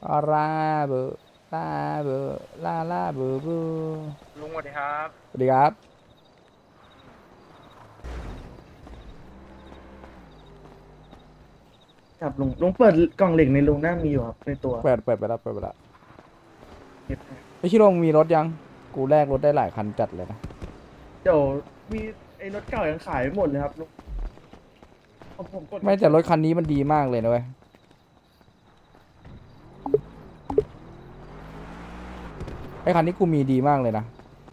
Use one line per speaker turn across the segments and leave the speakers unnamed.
อาราเบอลาเบอลาเบอเบอ
ลุงสวัสดีครับ
สวัสดีครับ
ครับลุงเปิดกล่องเหล็กในลุงน่ามีอยู่ครับในตัว
เปิดไปแล้วเปิดไปแล้ว
เก็บให้
ไอชิโร่มึงมีรถยังกูแลกรถได้หลายคันจัดเลยนะ
เดี๋ยวมีไอ้รถเก่ายังขายไม่หมดเลยครับลุงผมกด
ไม่แต่รถคันนี้มันดีมากเลยนะเว้ยไอคันนี้กูมีดีมากเลยนะ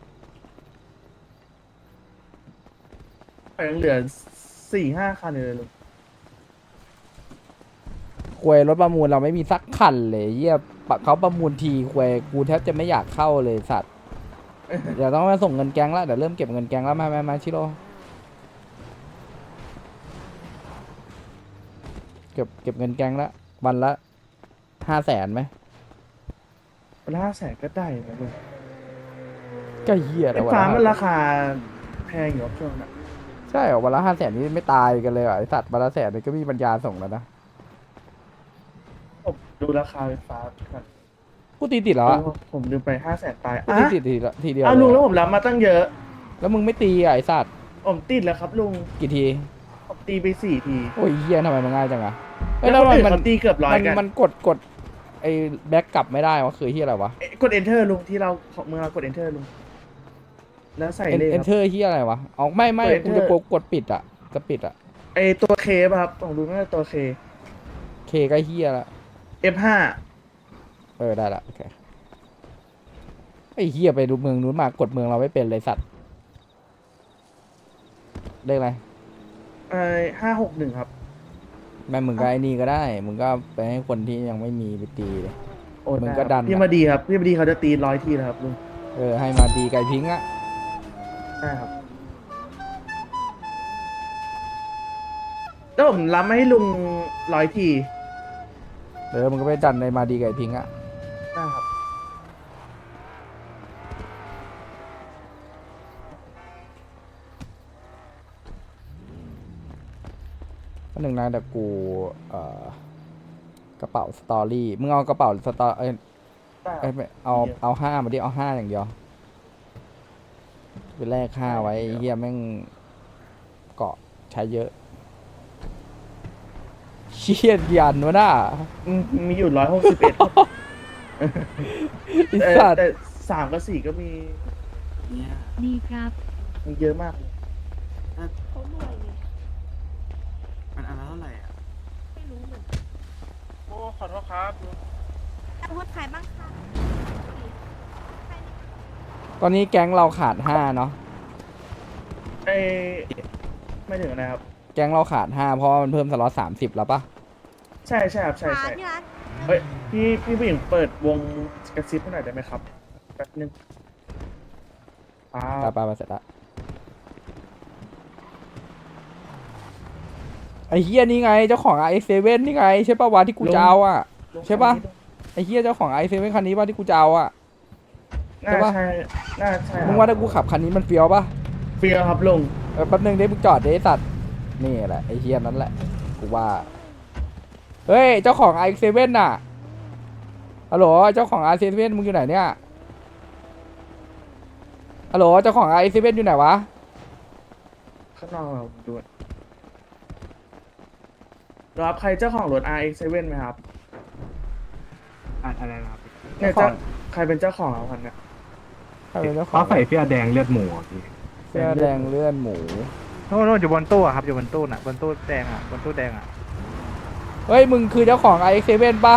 ยังเหลือ4-5 คันเลยลุง
ควยรถประมูลเราไม่มีสักคันเลยเยี่ยปะเขาประมูลทีควยกูแทบจะไม่อยากเข้าเลยสัตว์เดี๋ยวต้องมาส่งเงินแก๊งแล้วเดี๋ยวเริ่มเก็บเงินแก๊งแล้วมาชิโร่เก็บเงินแก๊งแล้ววันละ500,000ไหม
วันละ500,000ก็ได้นะลุง
ก็เหี้ย
ไอ้
แล้ววัน
ฟ้า
ละ
มันราคาแพงอยู่ครับช่วงนั้น
ใช่เหรอวันละ500,000นี่ไม่ตายกันเลยเหรอไอสัตว์วันละ100,000นี่ก็มีปัญญาส่งแล้วนะ
ผมดูราคาไฟฟ้าก่อน
กูตีติดแล้วอะ
ผมลืมไป500,000ตาย
กูตีติดทีเดียวเล
ลุง
ยอะ
แล้วผมรับมาตั้งเยอะ
แล้วมึงไม่ตีอะไอสัตว์
ผมติดแล้วครับลุง
กี่ที
ผมตีไป4 ที
โอ้ยเฮียทำไมมันง่ายจังอะเอ้ย
แล้
แล้วว
คนอื่น
มัน
เขาตีเกือบร้อยกัน
มันกดไอแบ็กกลับไม่ได้วะคือเฮียอะไรวะ
กด enter ลุงที่เราเมื่อเรากด enter ลุงแล้วใส่เลขครับ
เอนเตอร์เฮียอะไรวะเอาไม่
กด
กู
enter
จะกดปิดอะจะปิดอะ
ไอตัวเคป่ะครับผมดูน่าจะตัวเค
เคก็เฮียละ
F5
ได้ละโอเคไอเฮียไปดูเมืองนู้นมากดเมืองเราไม่เป็นเลยสัตว์เลขอะไร
561ครับ
แม่มึงก็ไอ้นี่ก็ได้มึงก็ไปให้คนที่ยังไม่มีไปตีเลย
โอ้
มึง
ได้ครับ
ก็ดัน
พี่
อะ
มาดีครับพี่มาดีเขาจะตี100 ทีแล้วครับลุง
ให้มาตีไก่พิงค์อะ
ได้ครับแล้วผมรับมาให้ลุง100 ที
มึงก็ไปดันในมาดีไก่พิงค์อะ
ได้ครับ
ก็หนึ่งนะแต่กูกระเป๋าสตอรี่มึงเอากระเป๋าสตอ
ได้ค
เอ้
รับ
ยไม่เอาห้ามาดิเอาห้าอย่างเดียวไปแลกห้าไว้ไอ้เฮียแม่งเกาะใช้เยอะเชี่ยยันวะน่ะ
มีอยู่161
ไอ้สัตว์
แต่3 กับ 4ก็มี
เนี่ย
ดีครับ
มีเยอะมากเลย
เขารวยไง
มันอันละเท่าไหร่อ่ะ
ไม่รู้เหมือนกัน
โอ้ขอโทษครับลุง
อาวุธขายบ้างค่ะ
ตอนนี้แก๊งเราขาดห้าเนาะ
ไอไม่ถึงนะครับ
แก๊งเราขาดห้าเพราะว่ามันเพิ่มสล็อต30แล้วปะ
ใช่ใช่ครับใช่
ร้าน
ใช่
ที่ร้าน
เฮ้ยพี่ผู้หญิงเปิดวงกระซิบให้หน่อยได้ไหมครับแป๊บนึง
ไปเสร็จละไอ้เฮียนี่ไงเจ้าของ i7 นี่ไงใช่ปะวะที่กูจะเอาอ่ะ
ลุง
ใช่ปะ ไอ้เฮียเจ้าของ i7 คันนี้ปะที่กูจะเอาอ่ะ
น่า
ใช่ปะ
ใช่น่าใช่
มึงว่าถ้ากูขับคันนี้มันเฟี้ยวปะ
เฟียครับลุง
แป๊บนึงเดี๋ยวมึงจอดเดี๋ยวไอ้สัตว์นี่แหละไอ้เฮียนั่นแหละกูว่าเฮ้ยเจ้าของ i7 น่ะฮัลโหลเจ้าของ i7 มึงอยู่ไหนเนี่ยฮัลโหลเจ้าของ i7 อยู่ไหนวะ
ข้างนอกเราดูรับใครเจ้าของรถ RX7 ไหมครับ
อะไรนะครับ
เนี่ย
เจ้าของ
ใครเป็นเจ้าของครับคันเนี่ย
ใครเป็นเจ้าขอ
เขา
ง
ใส่เสื้อแดงเลือดหมูอ่ะพี่
เสื้อแดงเลื่อนหมู
โน่นอยู่บนตู้อะครับอยู่บนตู้น่ะบนตู้แดงอะบนตู้แดงอะ
เฮ้ยมึงคือเจ้าของ i7 ป่ะ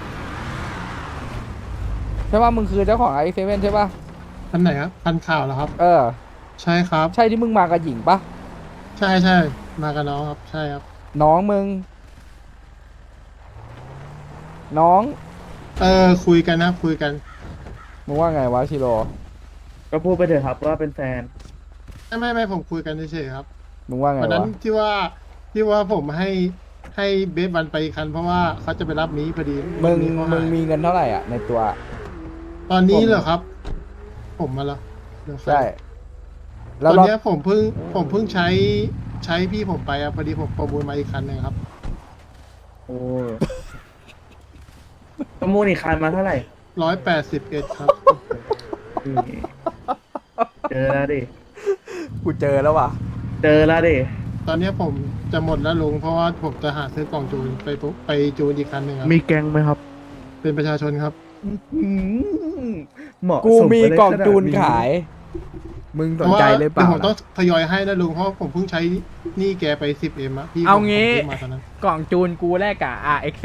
ใช่ป่ะมึงคือเจ้าของ i7 ใช่ป่ะ
คันไหนครับคันข่าวเหรอครับ ใช่ครับ
ใช่ที่มึงมากับหญิงป่ะ
ใช่ใช่มากับน้องครับ ใช่ครับ
น้องมึง น้อง
คุยกันนะคุยกัน
มึงว่าไงวะชิโร่
ก็พูดไปเถอะครับว่าเป็นแฟน
ไม่ผมคุยกันเฉยๆครับ
มึงว่าไง
วันนั้น
วะ
ที่ว่าผมให้เบสวันไปอีกคันเพราะว่าเขาจะไปรับมีพอดี
มึง
นี้เขาหาย
มีเงินเท่าไหร่อ่ะในตัว
ตอนนี้เหรอครับ ผมมาแล้วเดี๋ยว
ใช่
ต
แล้ว
อน
รอบ
เนี้ยผมเพิ่งใช้พี่ผมไปอะพอดีผมประมูลมาอีกคันหนึงครับ
โอ้ประมูลอีกคันมาเท่าไหร่
181ครับ
นี่เจอแล้วดิ
กูเจอแล้วว่ะ
เจอแล้วดิ
ตอนนี้ผมจะหมดแล้วลุงเพราะว่าผมจะหาซื้อกล่องจูนไปจูนอีกคันหนึ่งครับ
มีแกงไหมครับ
เป็นประชาชนครับ
เหมาะ
กู
ส
มี
ไปเลย
กล่องจูน
ขนาด
ขาย มึงสนใจหรือเปล่า
ผมต้อง
ล่ะ
ทยอยให้นะลุงเพราะผมเพิ่งใช้หนี่แกไป 10M อะพี่
เอา
ผม
งี้
ซื้อมาตอนนั้น
กล่องจูนกูแลกกับ RX7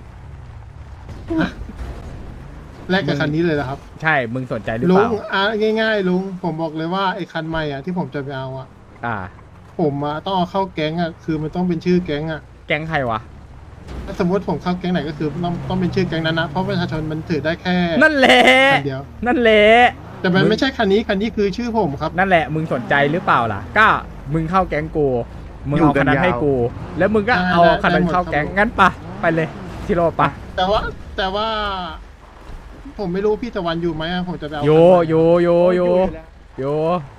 แลกกับคันนี้เลยเหรอครับ
ใช่ มึงสนใจหรือ
ลุ
เป
ง
ล่า
ง่ายๆลุงผมบอกเลยว่าไอ้คันใหม่อ่ะที่ผมจะไปเอาอ่ะ
อ่า
ผมอะต้องเอาเข้าแก๊งอ่ะคือมันต้องเป็นชื่อแก๊งอ่ะ
แก๊งใครวะ
ถ้าสมมติผมเข้าแก๊งไหนก็คือต้องเป็นชื่อแก๊งนั้นนะเพราะประชาชนมันถือได้แค่
นั่นแหละ
คันเดียว
นั่นแหละ
แต่มันไม่ใช่คันนี้คือชื่อผมครับ
นั่นแหละ มึงสนใจหรือเปล่าล่ะ ก็มึงเข้าแก๊งกู มึงเอาคันนั้นให้กู แล้วมึงก็เอาคันนั้นเข้าแก๊ง งั้นปะไปเลยชิโร่ปะ
แต่ว่า ผมไม่รู้พี่ตะวันอยู่ไหมอะผมจะไปเอา
โย
คันใหม่
โยโยโยโย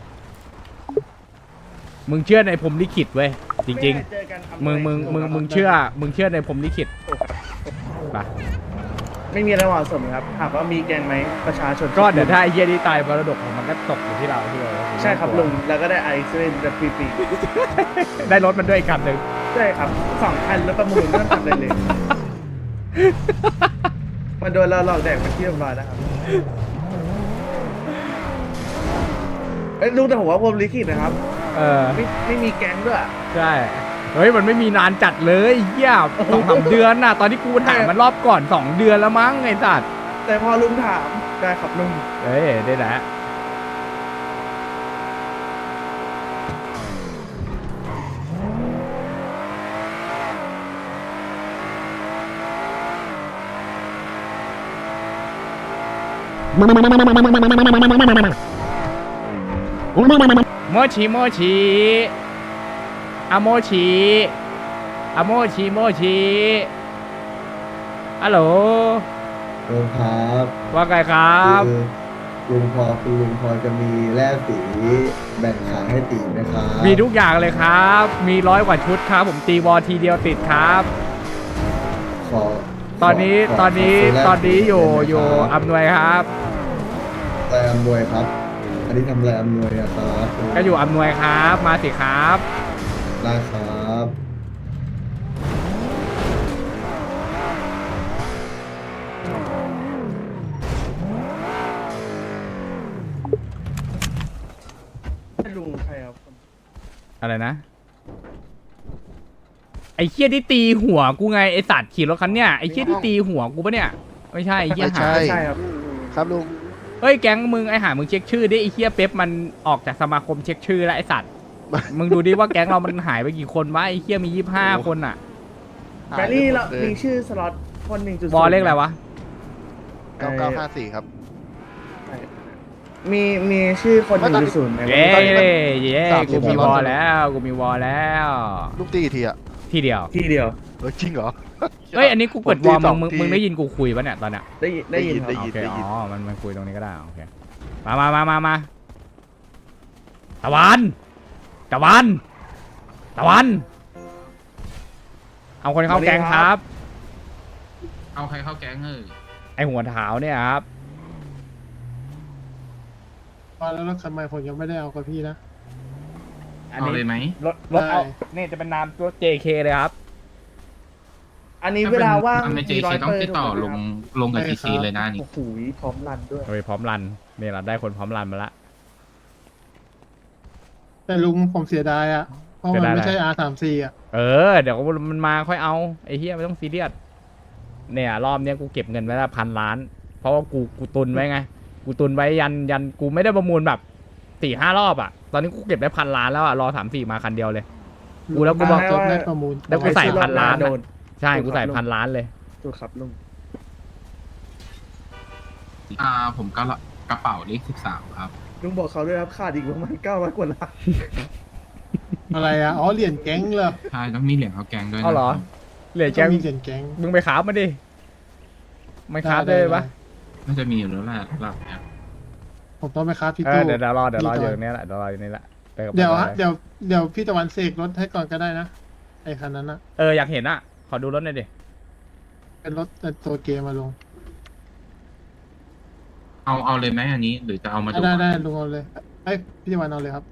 มึงเชื่อในพรหมลิขิตเว้ย จริง
ไม่ได้เจอกัน
ๆ มึงเชื่อในพรหมลิขิตปะ
ไม่มีอะไรเหมาะสมครับถามว่ามีแกงไหมประชาชน
ก็เดี๋ยวถ้าไอ้เหี้ยนี่ตายมรดกของมันก็ตกอยู่ที่เราที่เรา
ใช่ครับลุงแล้วก็ได้ไอซ์เล่นแบบฟรี
ได้รถมันด้วยอีกคันหนึ่ง
ๆใช่ครับ2 คันแล้วประมูลไม่ต้องทำอะไรเลย มันโดนเราหลอกแดกเป็นที่เรียบร้อยแล้วครับเอ้ยลุงแต่ผมว่าผมลิขิตนะครับ
เออ
ไม่มีแก๊งด้วย
ใช่ เฮ้ย มันไม่มีนานจัดเลยเหี้ย2-3 เดือนน่ะ ตอนที่กูถามมันรอบก่อน 2 เดือนแล้วมั้งไอ้สัตว์
แต่พอลุงถามได้ครับลุง
เฮ้ย ได้แหละ โมชิโมชิอะโมชิอะโมชิโมชิฮัลโหล
ลุงครับ
ว่าไงครับ
คือคุณลุงพอจะมีแร่สีแบ่งขายให้ตีไหมครับ
มีทุกอย่างเลยครับ มี100 กว่าชุดครับ ผมตีวอลทีเดียวติดครับ
ขอ
ตอนนี้
ข
ตอนนี้
ขซื้แร่
ตอนนี้
สี
อยู่
ได้ไหม
อยู่
ครับ
อำนวยครับ
อะไรอำนวยครับ อันนี้ทำอะไรอำนวยอะครับ
ก็อยู่อำนวยครับ มาสิครับ
ได้ครับ
ลุงใครครับ
อะไรนะ ไอ้เคี้ยที่ตีหัวกูไงไอ้สัตว์ขี่รถคันเนี้ยไอ้เคี้ยที่ตีหัวกูปะเนี่ยไม่ใช่ไอ้เคี้ยหา
ใช่ครับ
ครับลุง
เฮ้ยแก๊งมึงไอ้หามึงเช็คชื่อดิไอ้เคี้ยเป๊ปมันออกจากสมาคมเช็คชื่อแล้วไอ้สัตว์ มึงดูดิว่าแก๊งเรามันหายไปกี่คนวะไอ้เคี้ยมี25 คนอ่ะ
แบลลี่เรามีชื่อสล็อตคน1.0
วอลเลขอะไรวะ
9954 ครับ
มีชื่อคน
ไม่ตอนนี้
1.0ไหม
เย้
ตอนนี้มัน
เย้
30
กูมี
แล้ว
วอลแล้วกูมีวอลแล้ว
ลูกตีกี่ทีอะ
ทีเดียว
ที่เดียว
จริงเหรอ
เฮ้ยอันนี้กูกดวอล
ผมตี
มึง
2
มึงได้ยินกูคุยปะเนี่ยตอนเนี้ย
ได้ยินครับ
ได้ยิน
โอเคอ๋อมันคุยตรงนี้ก็ได้โอเคมาตะวันเอาคนเข้าแก๊งครับ
เอาใครเข้าแก๊งเอ้ย
ไอหัวเท้าเนี่ยครับ
แล้วรถคันใหม่ผมยังไม่ได้เอากับพี่นะ
อัน
เอา
นี้
เลยไหม
รถเอา
ได้
นี่จะเป็นนามตัว JK เลยครับ
อันนี้เวลาว่าง
ทำในเจ
มีร้อย
ต้อง
เปอร์
ติดต่อ
ถูกไหม
ลงกับ
ใช่
จี
ค
ซี
รับ
เลยนะนี่
โอ้โหพร้อมรันด้วย
โดยพร้อมรันเนี่ยเราได้คนพร้อมรันมาละ
แต่ลุงผมเสียดายอ่ะเพราะมันไม่ใช่ R34 อ่ะ
เออเดี๋ยวมันมาค่อยเอาไอ้เฮียไม่ต้องซีเรียสเนี่ยรอบเนี้ยกูเก็บเงินไว้ละ1,000,000,000เพราะว่ากูตุนไว้ไงกูตุนไว้ยันกูไม่ได้ประมูลแบบ4-5 รอบอ่ะตอนนี้กูเก็บได้1,000,000,000แล้วอ่ะรอ3-4มาคันเดียวเลย กูแล้วกูบอก
จบได้ประมูล
แล้วกูใส่1,000,000,000
โดน
ใช่กูใส่1,000,000,000เลย
ถูกครับลุง
ผมก็กระเป๋าเลข13 ครับ
ลุงบอกเขาด้วยครับขาดอีกประมาณ900 กว่าล้าน
อะไรอ่ะอ๋อเหรียญแก๊งเหรอ
ใช่ต้องมีเหรียญเข้าแก๊งด้วยนะ
เอาเหรอ เหลือแก
ต้องมีเหรียญแก๊ง
มึงไปคราฟมาดิไม่คราฟได้ปะ
น่าจะมีอยู่แล้วแหละหลักเนี่ย
ผมต้องไปคราฟที่
เอ
ตู้
อเดี๋ยวรอ
พี่
อ
ตะ
ยู่
วัน
ตรงนี้แหละเดี๋ยวรออยู่นี่แหละไปกับ
เดี๋ยว
ไป
ฮะเดี๋ยวพี่ตะวันเสกรถให้ก่อนก็ได้นะไอ้คันนั้นนะ
อยากเห็นอ่ะขอดูรถหน่อยดิ
เป็นรถตัวเกมมาลง
เอาเลยไหมอันนี้ หรือจะเอามาดู
ได้ลุงเอาเลยไอ้ยพี่วันเอาเลยครับ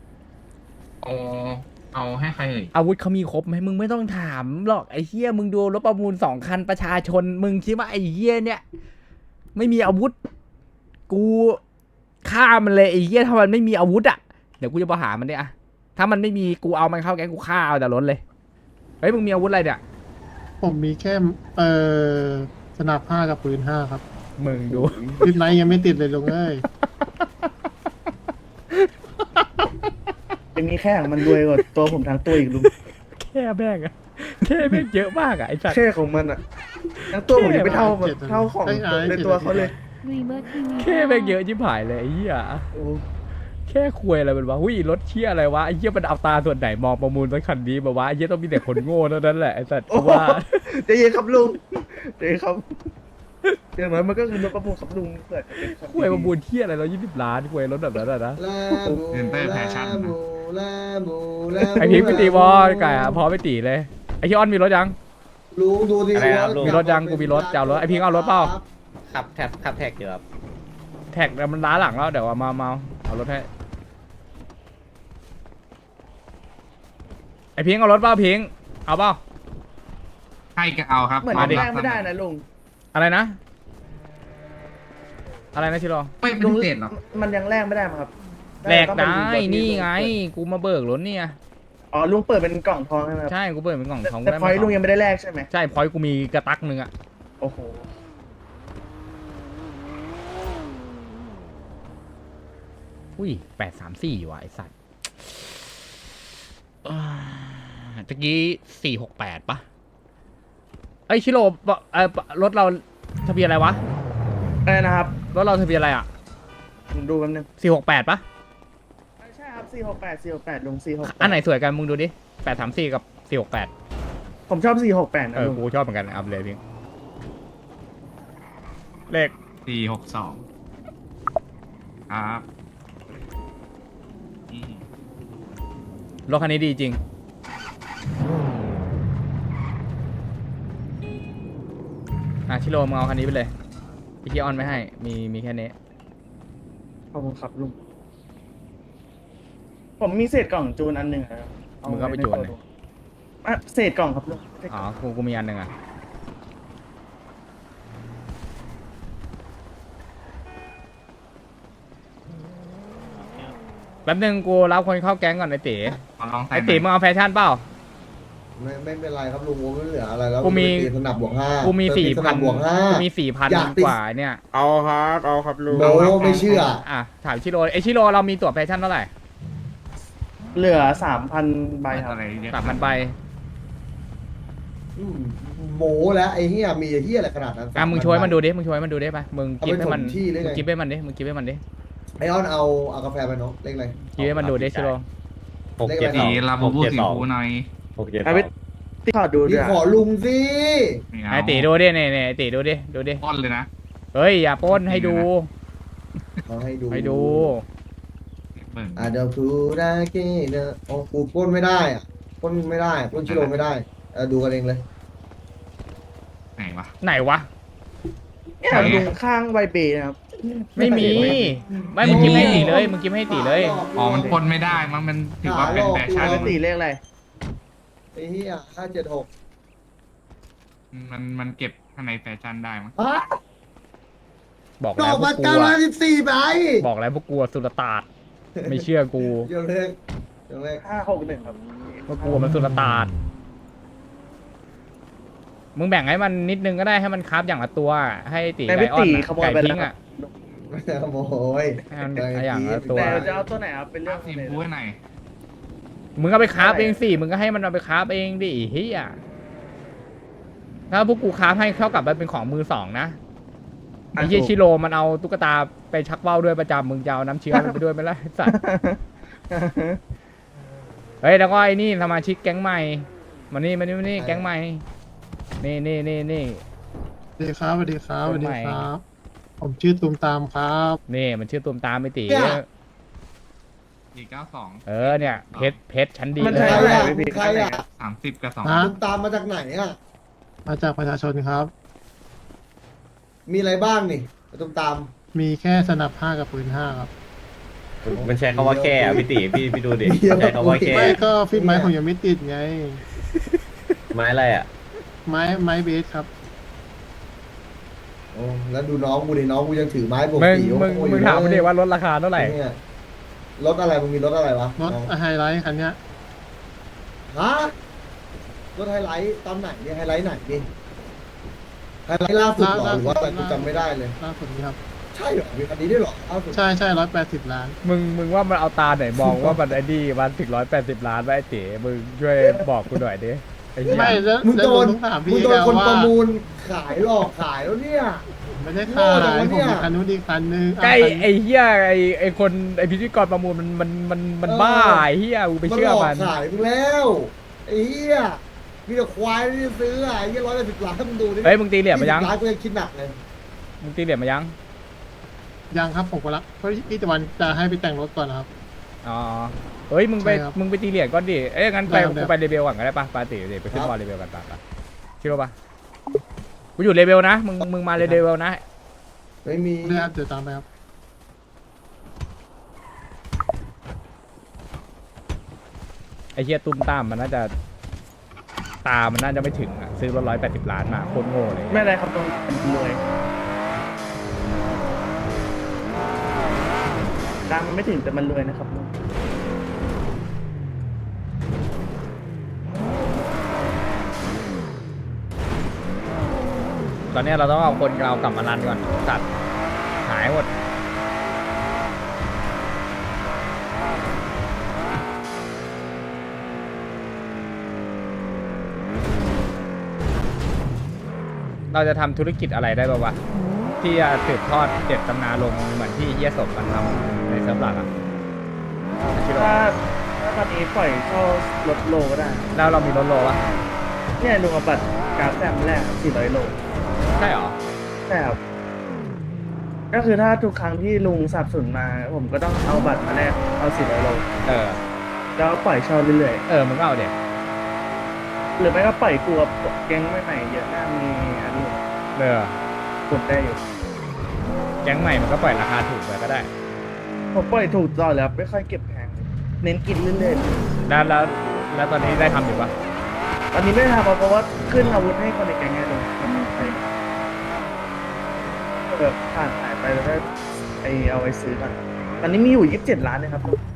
เอาให้ใครเอ่ย
อาวุธเขามีครบไหมมึงไม่ต้องถามหรอกไอ้เหี้ยมึงดูรถประมูล2 คันประชาชนมึงคิดว่าไอ้เหี้ยเนี่ยไม่มีอาวุธ กูฆ่ามันเลยไอ้เหี้ยถ้ามันไม่มีอาวุธอ่ะเดี๋ยวกูจะไปหามันเนี่ยอะถ้ามันไม่มีกูเอามันเข้าแก๊งกูฆ่าเอาแต่รถเลยเฮ้ยมึงมีอาวุธอะไรเนี่ย
ผมมีแค่สนับ5กับปืน5ครับ
มึงดู
ปืนไหนยังไม่ติดเลยลุงเอ้ย
เป็นมีแค่ของมันรวยกว่าตัวผมทั้งตัวอีกลุง
แค่แม่งอะแค่แม่งเยอะมากอะไอ้สัตว์
แค่ของมันอ่ะทั้งตัวผมยังไม่เท่าของในตัวเขาเลย
แค่แม่งเยอะชิบหายเลยไอ้เหี้ย
โอ้
แค่คุยอะไรมันวะหุ้ยรถเชี่ยอะไรวะไอ้เหี้ยมันเอาตาส่วนไหนมองประมูลรถคันนี้มาวะไอ้เหี้ยต้องมีแต่คนโง่เท่านั้นแหละไอ้สัตว์กูว่า
ใจเย็นครับลุงใจเย็นครับอย่างน้อยมันก็คือรถประมูลครับลุงเกิดเป็น
คุยประมูลเที่ยอะไร120 ล้านคุยรถแบบนั้นอะนะ
ลาบู
เงินเตอร์แฟชั่น
ลา
นะ
บูลาบูลาบู
ไอพิงค์ไปตีบอลไก่อะพอไปตีเลยไอคิออนมีรถยัง
ลุงดูดิ
อะไรครับลุง
มีรถยังกูมีรถจะเอารถไอพิงค์เอารถเปล่า
ขับแท็กอยู่ครับ
แท็กแต่มันล้าหลังแล้วเดี๋ยวมาเอารถให้ไอพิงค์เอารถเปล่าพิงค์เอาเปล่า
ให้ก็เอาครับ
เหมือน
มาดิ
แรงไม่ได้นะลุง
อะไรนะชิโร่
ไม่เป็นเศษหรอก
มันยังแลกไม่ได้มั้งครับ
แหลกได้
ต้องเป็น
นี่
ลุ
ไง
เปิด
กูมาเบิกรถเนี่ย
อ๋อลุงเปิดเป็นกล่องทองใช่ไหมครับ
ใช่กูเปิดเป็นกล่องทอง
แต่พอยลุงยังไม่ได้แลกใช่ไหม
ใช่พอยกูมีกระตักหนึ่งอะ
โอ้โห
อุ้ย834ว่ะไอสัตว์ตะกี้468ปะไอยชิโร่รถเราทะเบียนอะไรวะ
อะไรนะครับ
รถเราทะเบียนอะไรอ่ะ
ผมดูแป๊บนึง
468ปะ
ใช่ครับ468ลุง468
อันไหนสวยกันมึงดูดิ834กับ468
ผมชอบ468นะลุง
กูชอบเหมือนกันเอาไปเลยพี่เลข
462ครับอืม
รถคันนี้ดีจริงชิโร่มึงเอาคันนี้ไปเลยพี่เคียออนไม่ให้มีแค่นี้
ขอบคุณครับลุงผมมีเศษกล่องจูนอันหนึ่งนะครับ
มึงก็ไปจูนเลย
อ่ะเศษกล่องครับลุงเศษก
อ๋
ล่
อ
อง
กูมีอันหนึ่งอ่ะแป๊บนึงกูรับคนเข้าแก๊งก่อนไอตี
ขอลองใส่
ไอตีมึงเอาแฟชั่นเปล่า
ไม่เป็นไรครับลุงผมไม่เหลืออะไรแล้ว
กูมี
ตีสนับบวก5
กูมี
เติสนับบวก5
กูมี
อยากติด
4,000 กว่าเนี่ย
เอาครับลุง
โมไม่เชื่อ
อ่ะถามชิโร่ไอชิโร่เรามีตั๋วแฟชั่นเท่าไหร่
เหลือ 3,000 ใบครับ
อะไรเรียก
3,000 ใบ
อืมโมแล้วไอ้เหี้ยมีไอ้เหี้ยอะไรขนาดนั้น
มึงช่วยมันดูดิมึงช่วยมันดูดิไปมึง
เอา
กิ
ไป
ฟให้มัน
ถมที่ได้ไง
มึงกิฟให้มันดิมึงกิฟให้มันดิ
ไอออนเอากาแฟไปเนาะเลขอะไร
กิฟให้มันดูดิชิโร่
สีลาบูบูสีฟูหน่อย
เอาไปที่ขอดูด้
พี่
วย
ขอลุงสิ
ไม่เอา
ไอตีดูดิเนี่ยไอตีดูดิ
ป้อนเลยนะ
เฮ้ยอย่าปล้นให้ดู
เอาให้ดู
ให้ดู
เบิ่ง
เดี๋ยวคูได้เกเนอะโอ้กูปล้นไม่ได้อะปล้นไม่ได้ปล้นชิโร่ไม่ได้ดูกันเองเลย
ไหนวะ
ไหนวะ
เนี่ยลุงข้างใบเบย์นะครับ
ไม่มีไม่มึงกิฟให้ตีเลยมึงกิฟให้ตีเลย
อ๋อมันพ่นไม่ได้มั้งมันถือว่าเป็นแฟชั่น
ปกติเลขอะไร
ไอ้เหี้ย576
มันเก็บข้างในแฟชั่นได้มั้ง
บอก
ด
แล้
อ
ว
ก
พว
มาก
กูอะ
914ใบ
บอกแล้วพวกกูอะสุลต่านไม่เชื่อกู
เดี๋ยวเลข
561ครับ
พวกกูมันสุลต่านมึงแบ่งให้มันนิดนึงก็ได้ให้มันคราฟอย่างละตัว ให้ตี
แต่
ไก่
พี่
ออน
ตี
อะ
ขโมย
ไก่
ไป
ทิ้
แล้ว
ง
ครั
อ่ะ
บ
ไม่ได้ขโมย
ให้มันอย่างละตัว
แต่จะเอาตัวไหนครับเป็นเรื่องข
สี
องเลย
ฟูให้หน่อย
มึงก็ไปคราฟเองสิมึงก็ให้มันเอาไปคราฟเองดิเฮียถ้าพวกกูคราฟให้เท่ากับมันเป็นของมือสองนะไอ้เฮียชิโร่มันเอาตุ๊กตาไปชักว่าวด้วยประจำมึงจะเอาน้ำเชื้อมันไปด้วยไหมล่ะไอ้สัตว์ เฮ้ยแล้วก็ไอ้นี่สมาชิกแก๊งใหม่มานี่แก๊งใหม่นี่
สวัสดีครับสวัสดีครับสวัสดีครับ ผมชื่อตูมตามครับ
นี่มันชื่อตูมตามไม่ตี
492
เนี่ยเพชรชั้นดี
มัน
เล
ใช่
ย
เท่าไหร่
ใครอ่ะ
30 กับ
ฮะ
คุณตามมาจากไหนอ่ะ
มาจากประชาชนครับ
มีอะไรบ้างนี่ตุ้มตาม
มีแค่สนับ5กับปืน5ครับ
มันใช้คำว่าแค่อะพี่ตีพี่ดูดิใช้คำว่าแค่
ไม่ก็ฟิตไม้ผมยังไม่ติดไง
ไม้อะไรอ่ะ
ไม้เบสครับ
โอ้แล้วดูน้องกูดิน้องกูยังถือไม้ปก
มึง
ติ
มึงถามมันดิว่าลดราคาเท่าไหร่
เนี่ยรถอะไรมึงมีรถอะไรวะ
รถ
น้อง
ไฮไลท์คันเนี้ย
ฮะรถไฮไลท์ตอนไหนเนี่ยไฮไลท์ไหนดิไฮไลท์ล่าสุดเหรอหรือว่าอะไรกูจำไม่ได้เลย
ล่าสุดนี้ครับ
ใช่เหรอมีคันนี้ด้วยเหรอล่าสุด
ใช่180 ล้าน
มึงว่ามันเอาตาไหนมองว่ามันไอ้นี่มันถึง180 ล้านไว้ไอ้เต๋มึงช่วยบอกกูหน่อยดิไอ้เหี้ย
ไม่แล้ว
มึง
แล้ว
โดน
ต้องถาม
มึ
พี่
งโดน
แล้ว
คน
ว่า
ประมูลขายหลอกขายแล้วเนี่ย
ไม่ได้
โง่
ขาย
จังวะ
ผม
เนี่ย
มีคันนู้นอีกคันนึง
ใกล้
เอาคัน
ไอ้เหี้ยไอ้คนไอ้พิธีกรประมูลมันบ้าไอ้เหี้ยกูไปเชื่อ
หลอก
มัน
ขายมึงแล้วไอ้เหี้ยมีแต่ควายที่ซื้ออ่ะไอ้เหี้ย110 ล้านมึงดูดิ
เฮ้ยมึงตีเหรียญมายัง
20 ล้านกูยังคิดหนักเลย
มึงตีเหรียญมายัง
ยังครับผมก็รับเพราะพี่ตะวันจะให้ไปแต่งรถก่อนนะครับ
อ๋อเฮ้ยมึงไป
ใช่ครับ
มึงไปตีเหรียญก่อนดิเอ้ยงั้นไป
ได้ครับ
กูไปเลเวลก่อนก็ได้ปะปาติเดี๋ยวไปขึ้นบอลเลเวลกันปะชิโร่ปะกูอยู่เลเวลนะมึงมาเลเวลนะ
ไม่มี
ได้ครับเดี๋ยวตามไปครับ
ไอ้เหี้ยตุ้มตามมันน่าจะตามันน่าจะไม่ถึงอ่ะซื้อรถ180 ล้านมาโคตรโง่เลย
ไม่อะไรครับลุงรวยดังมันไม่ถึงแต่มันรวยนะครับลุง
ตอนเนี้ยเราต้องเอาคนเรากลับมารันก่อนตัดหายหมดเราจะทำธุรกิจอะไรได้บ้างวะที่จะสืบทอดเจ็ดตำนานลงเหมือนที่เฮียสมมันทำในเซิร์ฟหลักอ่ะชิโร่
ถ้าตอนนี้ปล่อยเข้ารถโลก็ได้
แล้วเรามีรถโลวะ
เนี่ยลุงเอาบัตรกราฟแซมแรก400 โล
ใช่เหรอ
ใช่ครับก็คือถ้าทุกครั้งที่ลุงสับสนมา ผมก็ต้องเอาบัตรมาแลกเอา400 โล
เออ
แล้วปล่อยเช่าเรื่อย
มึงก็เอาเด็ก
ๆหรือไม่ก็ปล่อยกลัวแก๊งใหม่ๆเยอะหน้ามีอันนี้
เออก
ดได้อยู่
แก๊งใหม่มันก็ปล่อยราคาถูกไปก็ได้
ผมปล่อยถูกตลอดแล้วไม่ค่อยเก็บแพงเน้นกินเรื่อย
แล้วตอนนี้ได้ทำอยู่ปะ
ๆตอนนี้ไม่ได้ทำเพราะว่าขึ้นอาวุธให้คนในแก๊งไงลุงแบบผ่านหายไปแล้วก็เอาไปซื้อกันตอนนี้มีอยู่27 ล้านนะครับลุง